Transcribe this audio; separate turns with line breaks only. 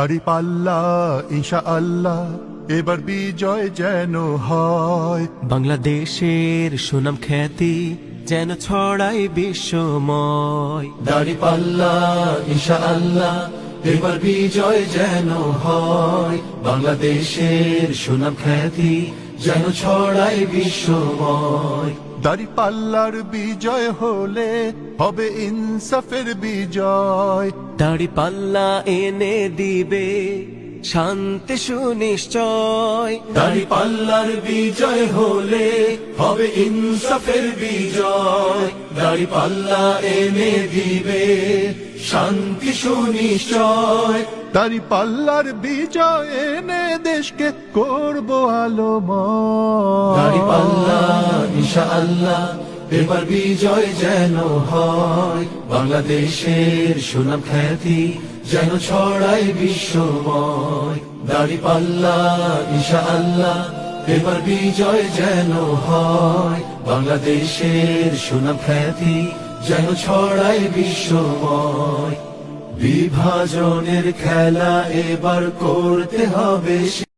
দাঁড়িপাল্লা ইনশাআল্লাহ এবার বিজয় যেন হয়।
বাংলাদেশের সুনাম খ্যাতি যেন ছড়াই বিশ্বময়।
দাঁড়িপাল্লা ইনশাআল্লাহ এবার বিজয় যেন হয়। বাংলাদেশের সুনাম খ্যাতি যেন ছড়াই বিশ্বময়।
দাঁড়িপাল্লার বিজয় হলে হবে ইনসাফের বিজয়।
দাঁড়িপাল্লা এনে দিবে শান্তি সুনিশ্চয়।
দাঁড়িপাল্লার বিজয় হলে হবে ইনসাফের বিজয়। দাঁড়িপাল্লা এনে দিবে শান্তি সুনিশ্চয়।
দাঁড়িপাল্লার বিজয় এনে দেশকে করব আলোময়।
দাঁড়িপাল্লা ইনশাআল্লাহ এবার বিজয় যেন হয়। বাংলাদেশের সুনাম খ্যাতি যেন ছড়াই বিশ্বময়। দাঁড়িপাল্লা ইনশাআল্লাহ এবার বিজয় যেন হয়। বাংলাদেশের সুনাম খ্যাতি যেন ছড়াই বিশ্বময়। বিভাজনের খেলা এবার করতে হবে।